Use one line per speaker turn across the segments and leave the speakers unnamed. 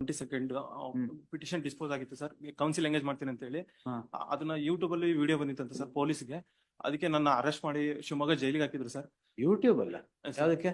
22nd
ಹ್ಮ್.
Petition dispose ಆಗಿತ್ತು sir, counsel engage ಮಾಡ್ತೀನಿ ಅಂತ ಹೇಳಿ.
ಹಾ.
ಅದನ್ನ ಯೂಟ್ಯೂಬ್ ಅಲ್ಲಿ ವಿಡಿಯೋ ಬಂದಿತ್ತಂತೆ ಸರ್ ಪೊಲೀಸ್ಗೆ. ಅದಕ್ಕೆ ನನ್ನ ಅರೆಸ್ಟ್ ಮಾಡಿ ಶಿವಮೊಗ್ಗ ಜೈಲಿಗೆ ಹಾಕಿದ್ರು ಸರ್.
ಯೂಟ್ಯೂಬ್ ಅಲ್ಲ
ಸರ್,
ಯಾವ್ದಕ್ಕೆ?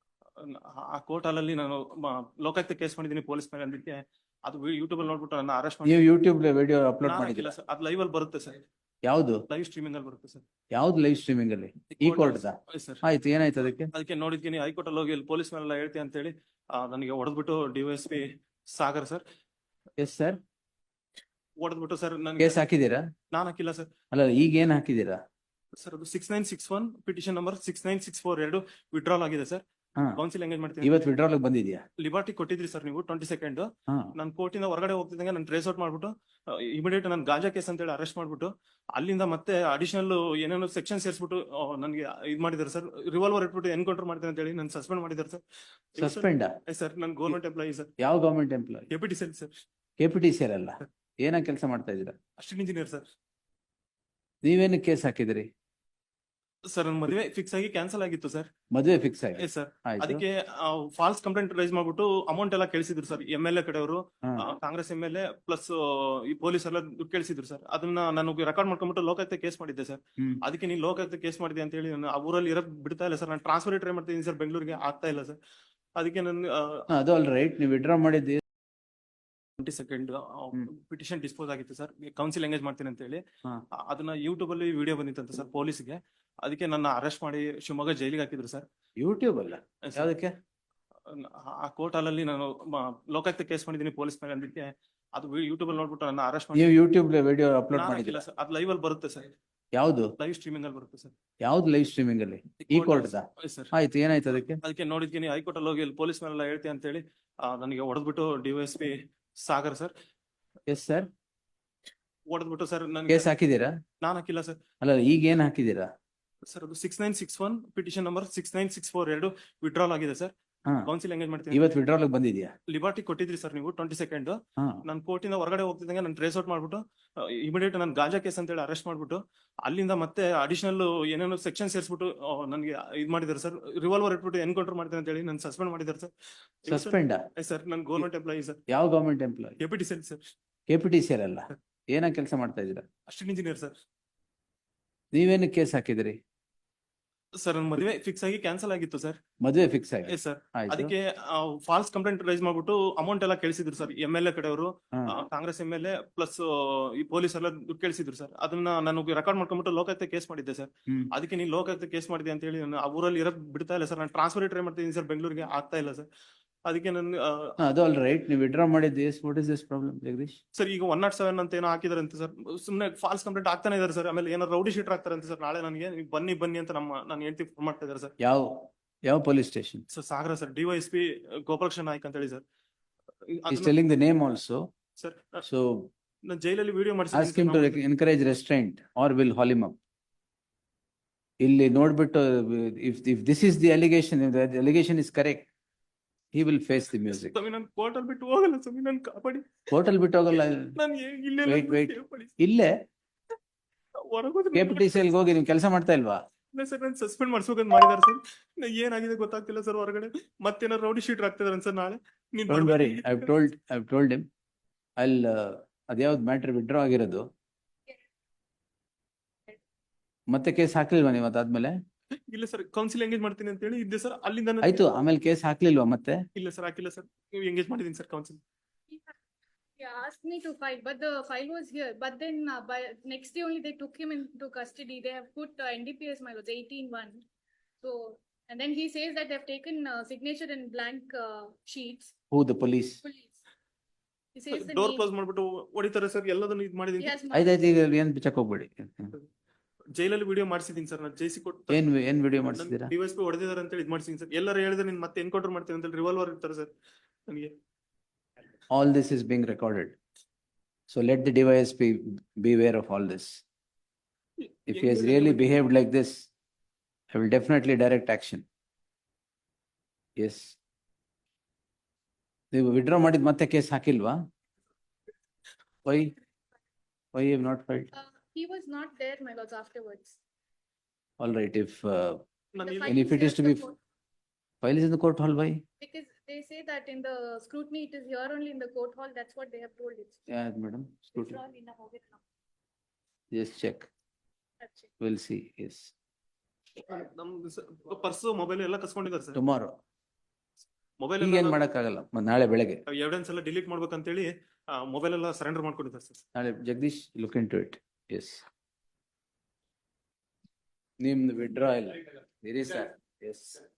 ಆ ಕೋರ್ಟ್ ಹಾಲಲ್ಲಿ ನಾನು ಲೋಕಾಯುಕ್ತ ಕೇಸ್ ಮಾಡಿದ್ದೀನಿ ಪೊಲೀಸ್ ಮೇಲೆ. ಅದಕ್ಕೆ ಅದು ಯೂಟ್ಯೂಬ್ ಅಲ್ಲಿ ನೋಡ್ಬಿಟ್ಟು ನನ್ನ ಅರೆಸ್ಟ್ ಮಾಡಿ.
ನೀವು ಯೂಟ್ಯೂಬ್ ವಿಡಿಯೋ ಅಪ್ಲೋಡ್
ನಾನು
ಮಾಡಿದಿಲ್ಲ
ಹಾಕಿಲ್ಲ ಸರ್, ಅದು ಲೈವ್ ಅಲ್ಲಿ ಬರುತ್ತೆ ಸರ್,
ಯಾವ್ದು?
ಲೈವ್ ಸ್ಟ್ರೀಮಿಂಗ್ ಅಲ್ಲಿ ಬರುತ್ತೆ ಸರ್.
ಯಾವ್ದು ಲೈವ್ ಸ್ಟ್ರೀಮಿಂಗ್ ಅಲ್ಲಿ? ಈ ಕೋರ್ಟ್
ಸರ್
ಆಯ್ತು, ಏನಾಯ್ತು ಅದಕ್ಕೆ?
ಅದಕ್ಕೆ ನೋಡಿದ್ತೀನಿ ಹೈಕೋರ್ಟ್ ಅಲ್ಲಿ ಹೋಗಿ ಪೊಲೀಸ್ ಮೇಲೆಲ್ಲ ಹೇಳ್ತೀನಿ ಅಂತ ಹೇಳಿ ನನಗೆ ಹೊಡೆದ್ಬಿಟ್ಟು DYSP Sagar sir
yes sir,
ಹೊಡೆದ್ಬಿಟ್ಟು ಸರ್ ನನಗೆ.
ಕೇಸ್ ಹಾಕಿದೀರಾ?
ನಾನು ಹಾಕಿಲ್ಲ ಸರ್.
ಅಲ್ಲ, ಈಗ ಏನ್ ಹಾಕಿದೀರಾ?
ಸರ್ ಅದು 6961 ಪಿಟಿಷನ್ ನಂಬರ್ 69642 ವಿಡ್ರಾಲ್ ಆಗಿದೆ ಸರ್.
ಹಾ.
ಕೌನ್ಸಿಲ್ ಎಂಗೇಜ್ ಮಾಡ್ತೀನಿ.
ಇವತ್ತು ವಿಡ್ರಾಲ್ ಬಂದಿದ್ಯಾ?
ಲಿಬರ್ಟಿ ಕೊಟ್ಟಿದ್ರಿ ಸರ್ ನೀವು 22nd.
ಹಾ.
ನಾನು ಕೋರ್ಟಿಂದ ಹೊರಗಡೆ ಹೋಗ್ತಿದ್ದಂಗೆ ನಾನು ಟ್ರೇಸ್ ಔಟ್ ಮಾಡ್ಬಿಟ್ಟು ಇಮಿಡಿಯೇಟ್ ನಾನು ಗಾಂಜಾ ಕೇಸ್ ಅಂತ ಹೇಳಿ ಅರೆಸ್ಟ್ ಮಾಡ್ಬಿಟ್ಟು ಅಲ್ಲಿಂದ ಮತ್ತೆ ಅಡಿಷನಲ್ ಏನೇನೋ ಸೆಕ್ಷನ್ ಸೇರಿಸ್ಬಿಟ್ಟು ನನಗೆ ಇದು ಮಾಡಿದ್ದಾರೆ ಸರ್. ರಿವಾಲ್ವರ್ ಇಟ್ಬಿಟ್ಟು ಎನ್ಕೌಂಟರ್ ಮಾಡ್ತೀನಿ ಅಂತ ಹೇಳಿ ನಾನು ಸಸ್ಪೆಂಡ್ ಮಾಡಿದ್ದಾರೆ ಸರ್.
ಸಸ್ಪೆಂಡ್?
ಸರ್ ನಾನು ಗೌರ್ಮೆಂಟ್ ಎಂಪ್ಲಾಯಿ ಸರ್.
ಯಾವ government employee?
KPTC sir.
KPTC ಅಲ್ಲ, ಏನ ಕೆಲಸ ಮಾಡ್ತಾ ಇದೀರಾ?
Assistant engineer sir.
ನೀವೇನು ಕೇಸ್ ಹಾಕಿದಿರಿ?
ಸರ್ ನನ್ನ ಮದುವೆ ಫಿಕ್ಸ್ ಆಗಿ ಕ್ಯಾನ್ಸಲ್ ಆಗಿತ್ತು ಸರ್.
ಮದುವೆ ಫಿಕ್ಸ್ ಆಗಿ?
ಸರ್
ಆಯ್ತು.
ಅದಕ್ಕೆ ಫಾಲ್ಸ್ ಕಂಪ್ಲೇಂಟ್ ರೈಸ್ ಮಾಡ್ಬಿಟ್ಟು ಅಮೌಂಟ್ ಎಲ್ಲ ಕೇಳಿಸಿದ್ರು ಸರ್. MLA ಕಡೆಯವರು,
ಹಾ.
ಕಾಂಗ್ರೆಸ್ MLA ಪ್ಲಸ್ ಈ ಪೊಲೀಸ್ ಎಲ್ಲ ದುಡ್ಡು ಕೇಳಿಸಿದ್ರು ಸರ್. ಅದನ್ನ ನಾನು ರೆಕಾರ್ಡ್ ಮಾಡ್ಕೊಂಡ್ಬಿಟ್ಟು ಲೋಕಾಯುಕ್ತ ಕೇಸ್ ಮಾಡಿದ್ದೆ ಸರ್.
ಹ್ಮ್.
ಅದಕ್ಕೆ ನೀನು ಲೋಕಾಯುಕ್ತ ಕೇಸ್ ಮಾಡಿದೆ ಅಂತ ಹೇಳಿ ನಾನು ಆ ಊರಲ್ಲಿ ಇರೋಕ್ ಬಿಡ್ತಾ ಇಲ್ಲ ಸರ್. ನಾನು ಟ್ರಾನ್ಸ್ಫರ್ ಟ್ರೈ ಮಾಡ್ತಿದ್ದೀನಿ ಸರ್, ಬೆಂಗಳೂರಿಗೆ ಆಗ್ತಾ ಇಲ್ಲ ಸರ್. ಅದಕ್ಕೆ ನಾನು
ಅದು ಆಲ್ ರೈಟ್, ನೀವು ವಿಡ್ರಾ ಮಾಡಿದ್ದು
22nd
ಹ್ಮ್.
ಪಿಟಿಷನ್ ಡಿಸ್ಪೋಸ್ ಆಗಿತ್ತು ಸರ್, ಕೌನ್ಸಿಲ್ ಎಂಗೇಜ್ ಮಾಡ್ತೀನಿ ಅಂತ ಹೇಳಿ.
ಹಾ.
ಅದನ್ನ ಯೂಟ್ಯೂಬ್ ಅಲ್ಲಿ ವಿಡಿಯೋ ಬಂದಿತ್ತಂತೆ ಸರ್ ಪೊಲೀಸ್ಗೆ. ಅದಕ್ಕೆ ನನ್ನ ಅರೆಸ್ಟ್ ಮಾಡಿ ಶಿವಮೊಗ್ಗ ಜೈಲಿಗೆ ಹಾಕಿದ್ರು ಸರ್.
ಯೂಟ್ಯೂಬ್ ಅಲ್ಲ ಯಾವ್ದಕ್ಕೆ?
ಆ ಕೋರ್ಟ್ ಹಾಲಲ್ಲಿ ನಾನು ಲೋಕಾಯುಕ್ತ ಕೇಸ್ ಮಾಡಿದ್ದೀನಿ ಪೊಲೀಸ್ ಮೇಲೆ. ಅದಕ್ಕೆ ಅದು ಯೂಟ್ಯೂಬ್ ಅಲ್ಲಿ ನೋಡ್ಬಿಟ್ಟು ನನ್ನ ಅರೆಸ್ಟ್ ಮಾಡಿ.
ನೀವು ಯೂಟ್ಯೂಬ್ ವಿಡಿಯೋ ಅಪ್ಲೋಡ್
ನಾನು
ಮಾಡಿದಿಲ್ಲ
ಹಾಕಿಲ್ಲ ಸರ್, ಅದು ಲೈವ್ ಅಲ್ಲಿ ಬರುತ್ತೆ ಸರ್,
ಯಾವ್ದು?
ಲೈವ್ ಸ್ಟ್ರೀಮಿಂಗ್ ಅಲ್ಲಿ ಬರುತ್ತೆ ಸರ್.
ಯಾವ್ದು ಲೈವ್ ಸ್ಟ್ರೀಮಿಂಗ್ ಅಲ್ಲಿ? ಈ ಕೋರ್ಟ್
ಸರ್.
ಆಯ್ತು, ಏನಾಯ್ತು ಅದಕ್ಕೆ?
ಅದಕ್ಕೆ ನೋಡಿದ್ತೀನಿ ಹೈಕೋರ್ಟ್ ಅಲ್ಲಿ ಹೋಗಿ ಪೊಲೀಸ್ ಮೇಲೆಲ್ಲ ಹೇಳ್ತೀನಿ ಅಂತ ಹೇಳಿ ನನಗೆ ಹೊಡೆದ್ಬಿಟ್ಟು DYSP Sagar sir
yes sir,
ಹೊಡೆದ್ಬಿಟ್ಟು ಸರ್ ನನಗೆ.
ಕೇಸ್ ಹಾಕಿದೀರಾ?
ನಾನು ಹಾಕಿಲ್ಲ ಸರ್.
ಅಲ್ಲ, ಈಗ ಏನ್ ಹಾಕಿದೀರಾ?
ಸರ್ ಅದು 6961 ಪಿಟಿಷನ್ ನಂಬರ್ 69642 ವಿಡ್ರಾಲ್ ಆಗಿದೆ ಸರ್.
ಹಾ.
ಕೌನ್ಸಿಲ್ ಎಂಗೇಜ್ ಮಾಡ್ತೀನಿ.
ಇವತ್ತು ವಿಡ್ರಾಲ್ ಬಂದಿದ್ಯಾ?
ಲಿಬರ್ಟಿ ಕೊಟ್ಟಿದ್ರಿ ಸರ್ ನೀವು 22nd.
ಹಾ.
ನಾನು ಕೋರ್ಟಿಂದ ಹೊರಗಡೆ ಹೋಗ್ತಿದ್ದಂಗೆ ನಾನು ಟ್ರೇಸ್ ಔಟ್ ಮಾಡ್ಬಿಟ್ಟು ಇಮಿಡಿಯೇಟ್ ನಾನು ಗಾಂಜಾ ಕೇಸ್ ಅಂತ ಹೇಳಿ ಅರೆಸ್ಟ್ ಮಾಡ್ಬಿಟ್ಟು ಅಲ್ಲಿಂದ ಮತ್ತೆ ಅಡಿಷನಲ್ ಏನೇನೋ ಸೆಕ್ಷನ್ ಸೇರಿಸ್ಬಿಟ್ಟು ನನಗೆ ಇದು ಮಾಡಿದ್ದಾರೆ ಸರ್. ರಿವಾಲ್ವರ್ ಇಟ್ಬಿಟ್ಟು ಎನ್ಕೌಂಟರ್ ಮಾಡ್ತೀನಿ ಅಂತ ಹೇಳಿ ನಾನು ಸಸ್ಪೆಂಡ್ ಮಾಡಿದ್ದಾರೆ ಸರ್.
ಸಸ್ಪೆಂಡ್?
ಸರ್ ನಾನು ಗೌರ್ಮೆಂಟ್ ಎಂಪ್ಲಾಯಿ ಸರ್.
ಯಾವ government employee?
KPTC sir.
KPTC ಅಲ್ಲ, ಏನ ಕೆಲಸ ಮಾಡ್ತಾ ಇದೀರಾ?
Assistant engineer sir.
ನೀವೇನು ಕೇಸ್ ಹಾಕಿದಿರಿ?
ಸರ್ ನನ್ನ ಮದುವೆ ಫಿಕ್ಸ್ ಆಗಿ ಕ್ಯಾನ್ಸಲ್ ಆಗಿತ್ತು ಸರ್.
ಮದುವೆ ಫಿಕ್ಸ್ ಆಗಿ?
ಸರ್
ಆಯ್ತು.
ಅದಕ್ಕೆ ಫಾಲ್ಸ್ ಕಂಪ್ಲೇಂಟ್ ರೈಸ್ ಮಾಡ್ಬಿಟ್ಟು ಅಮೌಂಟ್ ಎಲ್ಲ ಕೇಳಿಸಿದ್ರು ಸರ್. MLA ಕಡೆಯವರು,
ಹಾ.
ಕಾಂಗ್ರೆಸ್ MLA ಪ್ಲಸ್ ಈ ಪೊಲೀಸ್ ಎಲ್ಲ ದುಡ್ಡು ಕೇಳಿಸಿದ್ರು ಸರ್. ಅದನ್ನ ನಾನು ರೆಕಾರ್ಡ್ ಮಾಡ್ಕೊಂಡ್ಬಿಟ್ಟು ಲೋಕಾಯುಕ್ತ ಕೇಸ್ ಮಾಡಿದ್ದೆ ಸರ್.
ಹ್ಮ್.
ಅದಕ್ಕೆ ನೀನು ಲೋಕಾಯುಕ್ತ ಕೇಸ್ ಮಾಡಿದೆ ಅಂತ ಹೇಳಿ ನಾನು ಆ ಊರಲ್ಲಿ ಇರೋಕ್ ಬಿಡ್ತಾ ಇಲ್ಲ ಸರ್. ನಾನು ಟ್ರಾನ್ಸ್ಫರ್ ಟ್ರೈ ಮಾಡ್ತಿದ್ದೀನಿ ಸರ್, ಬೆಂಗಳೂರಿಗೆ ಆಗ್ತಾ ಇಲ್ಲ ಸರ್. ಅದಕ್ಕೆ ನಾನು
ಅದು ಆಲ್ ರೈಟ್, ನೀವು ವಿಡ್ರಾ ಮಾಡಿದ್ದು. What is this problem Jagadish?
Sir ಈಗ 107 ಅಂತ ಏನೋ ಹಾಕಿದಾರೆ ಅಂತ ಸರ್. ಸುಮ್ಮನೆ ಫಾಲ್ಸ್ ಕಂಪ್ಲೇಂಟ್ ಆಗ್ತಾನೆ ಇದಾರೆ ಸರ್. ಆಮೇಲೆ ಏನೋ ರೌಡಿ ಶೀಟರ್ ಆಗ್ತಾರೆ ಅಂತ ಸರ್. ನಾಳೆ ನನಗೆ ನೀವು ಬನ್ನಿ ಅಂತ ನಾನು ಹೇಳ್ತಿ ಫೋನ್ ಮಾಡ್ತಾ ಇದ್ದಾರೆ ಸರ್.
ಯಾವ police station?
Sir Sagara sir, DYSP Gopalakrishna Naik ಅಂತ ಹೇಳಿ sir.
He's telling the name also.
Sir
So
ನಾನು ಜೈಲಲ್ಲಿ video
ask him to encourage restraint or will haul him up. ಇಲ್ಲಿ ನೋಡ್ಬಿಟ್ಟು if this is the allegation, if the allegation is correct, he will face the music.
ನಾನು court ಅಲ್ಲಿ ಬಿಟ್ಟು ಹೋಗಲ್ಲ ಸ್ವಾಮಿ, ನಾನು ಕಾಪಾಡಿ.
ಕೋರ್ಟ್ ಅಲ್ಲಿ ಬಿಟ್ಟು ಹೋಗಲ್ಲ.
ನಾನು ಇಲ್ಲೇ
Wait. ಇಲ್ಲೇ
ಹೊರಗೋದ್ರೆ
ಕೆಪಿಟಿಸಿ ಅಲ್ಲಿ ಹೋಗಿ ನೀವು ಕೆಲಸ ಮಾಡ್ತಾ ಇಲ್ವಾ?
ಸರ್ ನಾನು ಸಸ್ಪೆಂಡ್ ಮಾಡ್ಸ್ಬೇಕಂತ ಮಾಡಿದಾರೆ ಸರ್. ಏನಾಗಿದೆ ಗೊತ್ತಾಗ್ತಿಲ್ಲ ಸರ್. ಹೊರಗಡೆ ಮತ್ತೇನಾರು ರೌಡಿ ಶೀಟರ್ ಆಗ್ತಿದಾರೆ ಸರ್. ನಾಳೆ ನೀನ್
Don't worry,
ಬರ್ಬೇಕು.
I've told him. ಅದ್ಯಾವ್ದು ಮ್ಯಾಟ್ರ್ ವಿಡ್ರಾ ಆಗಿರೋದು? ಮತ್ತೆ ಕೇಸ್ ಹಾಕ್ಲಿಲ್ವಾ ನೀವು ಅದಾದ್ಮೇಲೆ?
ಇಲ್ಲ ಸರ್, ಕೌನ್ಸಿಲ್ ಎಂಗೇಜ್ ಮಾಡ್ತೀನಿ ಅಂತ ಹೇಳಿ ಇದ್ದೆ ಸರ್. ಅಲ್ಲಿಂದ ನಾನು-
ಆಯ್ತು, ಆಮೇಲೆ ಕೇಸ್ ಹಾಕ್ಲಿಲ್ವಾ ಮತ್ತೆ?
ಇಲ್ಲ ಸರ್, ಹಾಕಿಲ್ಲ ಸರ್. ನೀವು ಎಂಗೇಜ್ ಮಾಡಿದೀನಿ sir counsel.
He asked me to file, but the file was here. But then by next day only they took him into custody. They have put NDPS my lords 18-1. So and then he says that they have taken signature in blank sheets.
Who, the police?
Police. He says the
door
name.
Close ಮಾಡ್ಬಿಟ್ಟು ಹೊಡಿತಾರೆ sir. ಎಲ್ಲದನ್ನು ಇದು
He
ಮಾಡಿದೀನಿ.
has
ಆಯ್ತಾಯ್ತು, ಈಗ ಏನ್ ಬಿಚ್ಚಕ್ ಹೋಗ್ಬೇಡಿ.
ಜೈಲಲ್ಲಿ ವಿಡಿಯೋ ಮಾಡಿಸಿದೀನಿ ಸರ್. ನಾನು ಜೈಸಿ ಕೊಟ್ಟು
ಏನ್ ವಿಡಿಯೋ ಮಾಡಿಸಿದೀರಾ?
DYSP ಹೊಡೆದಿದ್ದಾರೆ ಅಂತ ಹೇಳಿ ಇದು ಮಾಡಿಸಿದೀನಿ ಸರ್. ಎಲ್ಲರೂ ಹೇಳಿದ್ರೆ ನೀನ್ ಮತ್ತೆ ಎನ್ಕೌಂಟರ್ ಮಾಡ್ತೀನಿ ಅಂತ ಹೇಳಿ ರಿವಾಲ್ವರ್ ಇರ್ತಾರೆ ಸರ್ ನನಗೆ.
All this is being recorded. So let the DYSP be aware of all this. If he has really behaved like this, I will definitely direct action. Yes. ನೀವು ವಿಡ್ರಾ ಮಾಡಿದ ಮತ್ತೆ case ಹಾಕಿಲ್ವಾ? Why you have not filed?
he was not there my lords afterwards.
All right, if
ನಾನು
The
ಇಲ್ಲಿ-
file
and if it is
here
to
in
be
the court,
file is in the court hall, why?
because they say that in the scrutiny, it is here only in the court hall. That's what they have told it.
Yeah, madam, scrutiny.
It's all in the hall.
Just check.
That's it.
We'll see, yes.
ನಮ್ದು purse mobile ಎಲ್ಲ ಕಸ್ಕೊಂಡಿದ್ದಾರೆ sir.
Tomorrow.
Mobile
ಈಗೇನ್ ಮಾಡಕ್ಕಾಗಲ್ಲ, ನಾಳೆ ಬೆಳಗ್ಗೆ.
Evidence ಎಲ್ಲ delete ಮಾಡ್ಬೇಕಂತೇಳಿ mobile ಎಲ್ಲ ಸರೆಂಡರ್ ಮಾಡ್ಕೊಂಡಿದ್ದಾರೆ ಸರ್.
ನಾಳೆ Jagadish look into it, yes. ನಿಮ್ದು withdraw ಇಲ್ಲ, ಇರಿ sir, yes.